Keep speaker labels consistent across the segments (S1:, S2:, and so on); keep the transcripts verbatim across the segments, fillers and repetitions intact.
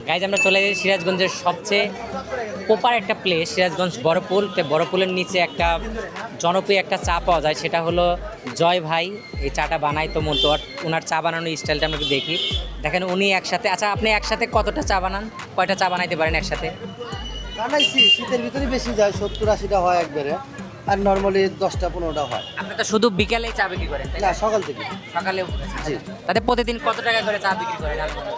S1: Guys আমরা চলে যাই সিরাজগঞ্জের সবচেয়ে প্রপার একটা প্লেস, সিরাজগঞ্জ বড়পুল। তো বড়পুলের নিচে একটা জনপ্রিয় একটা চা পাওয়া যায়, সেটা হলো জয় ভাই। এই চাটা বানাই তো মন্তোয়ার, ওনার চা বানানোর স্টাইলটা আমরা একটু দেখি। দেখেন উনি একসাথে, আচ্ছা আপনি একসাথে কতটা চা বানান, কয়টা চা বানাইতে পারেন একসাথে?
S2: বানাইছি, শীতের ভিতরে বেশি যায়, সত্তর আশিটা হয় একবারে, আর নর্মালি দশটা পনেরোটা হয়।
S1: আপনি তো শুধু বিকালেই চা বিক্রি করেন, তাই
S2: না,
S1: না?
S2: সকাল থেকে।
S1: সকালে
S2: জি।
S1: তাতে প্রতিদিন কত টাকা করে চা বিক্রি করেন?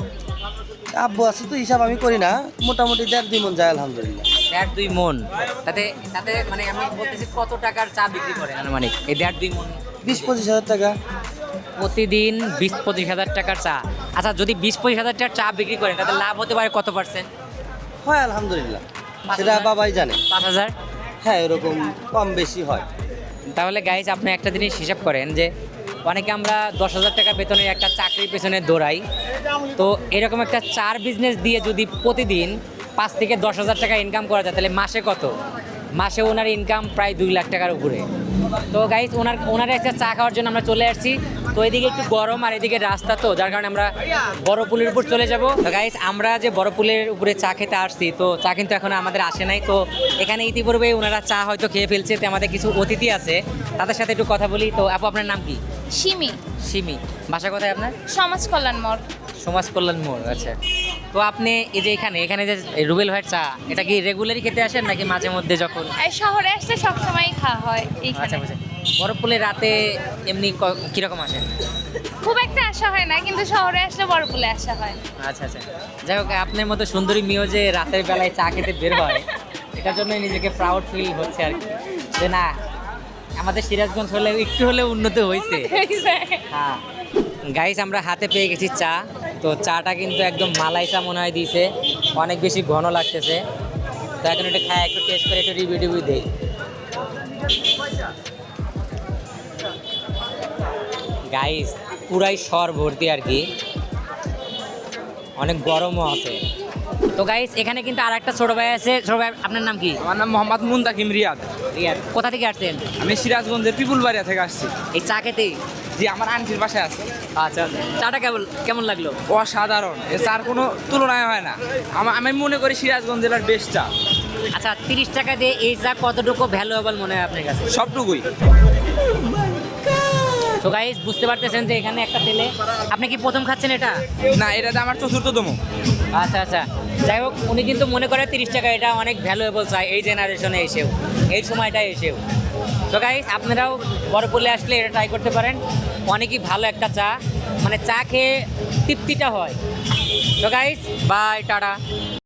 S2: আব্বু আছে তো, হিসাব আমি করি না, মোটামুটি দেড় দুই মন যায় আলহামদুলিল্লাহ।
S1: দেড় দুই মন, তাতে তাতে মানে আমি বলতেছি কত টাকার চা বিক্রি করেন মানে এই দেড় দুই মন?
S2: বিশ পঁচিশ হাজার টাকা
S1: প্রতিদিন বিশ পঁচিশ হাজার টাকার চা। আচ্ছা যদি বিশ পঁচিশ হাজার টাকার চা বিক্রি করেন তাতে লাভ হতে পারে কত পার্সেন্ট?
S2: হয় আলহামদুলিল্লাহ,
S1: পাঁচ
S2: সেটা
S1: হাজার?
S2: বাবাই জানে।
S1: পাঁচ হাজার?
S2: হ্যাঁ, এরকম কম বেশি হয়।
S1: তাহলে গাইজ আপনি একটা জিনিস হিসাব করেন যে অনেকে আমরা দশ হাজার টাকা বেতনের একটা চাকরির পেছনে দৌড়াই, তো এরকম একটা চার বিজনেস দিয়ে যদি প্রতিদিন পাঁচ থেকে দশ হাজার টাকা ইনকাম করা যায় তাহলে মাসে কত? মাসে ওনার ইনকাম প্রায় দুই লাখ টাকার উপরে। তো গাইজ ওনার ওনার একটা চা খাওয়ার জন্য আমরা চলে আসছি। তো এদিকে একটু গরম আর এদিকে রাস্তা, তো যার কারণে আমরা বড় পুলের উপর চলে যাব। তো গাইজ আমরা যে বড় পুলের উপরে চা খেতে আসছি, তো চা কিন্তু এখন আমাদের আসে নাই। তো এখানে ইতিপূর্বে ওনারা চা হয়তো খেয়ে ফেলছে, তো আমাদের কিছু অতিথি আছে তাদের সাথে একটু কথা বলি। তো আপু আপনার নাম কি?
S3: সিমি,
S1: সিমি। বাসা কোথায় আপনার?
S3: সমাজ কল্যাণ মোড়।
S1: সমাজ কল্যাণ মোড়, আচ্ছা। তো আপনি এই যে এখানে এখানে যে রুবেল ভাইয়ের চা, এটা কি রেগুলারই খেতে আসেন নাকি মাঝে মধ্যে যখন?
S3: এই শহরে আসলে সবসময় খাওয়া হয় এইখানে।
S1: আচ্ছা বুঝে। বরফপুলে রাতে এমনি ক- কিরকম আসেন?
S3: খুব একটা আসা হয় না, কিন্তু শহরে আসলে বড়পুলে আসা হয়।
S1: আচ্ছা আচ্ছা, যাই হোক আপনার মতো সুন্দরী মেয়েও যে রাতের বেলায় চা খেতে বের হয়, এটার জন্যই নিজেকে প্রাউড ফিল হচ্ছে আর কি, যে না আমাদের সিরাজগঞ্জ হলে একটু হলেও উন্নত হয়েছে। হ্যাঁ গাইস, আমরা হাতে পেয়ে গেছি চা। তো চাটা কিন্তু একদম মালাই চা মনে হয় দিয়েছে, অনেক বেশি ঘন লাগতেছে। তো এখন একটু খায়, একটু টেস্ট করে একটু রিভিউ টিভিউ দিই। গাইস পুরাই সর ভর্তি আর কি, অনেক গরমও আছে। তো গাইস এখানে কিন্তু আর একটা ছোট ভাই আছে। ছোট ভাই আপনার নাম কি?
S4: আমার নাম মোহাম্মদ মুন্তাকিম রিয়াদ।
S1: রিয়াদ। কোথা থেকে আসছেন?
S4: আমি সিরাজগঞ্জের পিপুলবাড়িয়া থেকে আসছি।
S1: এই চা খেতে?
S4: জি, আমার আন্টির বাসায় আছে।
S1: আচ্ছা, চাটা কেমন কেমন লাগলো?
S4: অসাধারণ, এ চার কোনো তুলনায় হয় না। আমা- আমি মনে করি সিরাজগঞ্জ জেলার বেস্ট চা।
S1: আচ্ছা তিরিশ টাকা দিয়ে এই চা কতটুকু ভ্যালুয়েবল মনে হয় আপনার কাছে?
S4: সবটুকুই।
S1: তো গাইস বুঝতে পারতেছেন যে এখানে একটা ছেলে, আপনি কি প্রথম খাচ্ছেন এটা?
S4: না, এটাতে আমার চতুর্থতম।
S1: আচ্ছা আচ্ছা, যাই হোক উনি কিন্তু মনে করে তিরিশ টাকা এটা অনেক ভ্যালুয়েবল চা এই জেনারেশনে এসেও, এই সময়টায় এসেও। তো গাইস আপনারাও বড়পুলে আসলে এটা ট্রাই করতে পারেন, অনেকই ভালো একটা চা, মানে চা খেয়ে তৃপ্তিটা হয়। তো গাইস বাই, টাটা।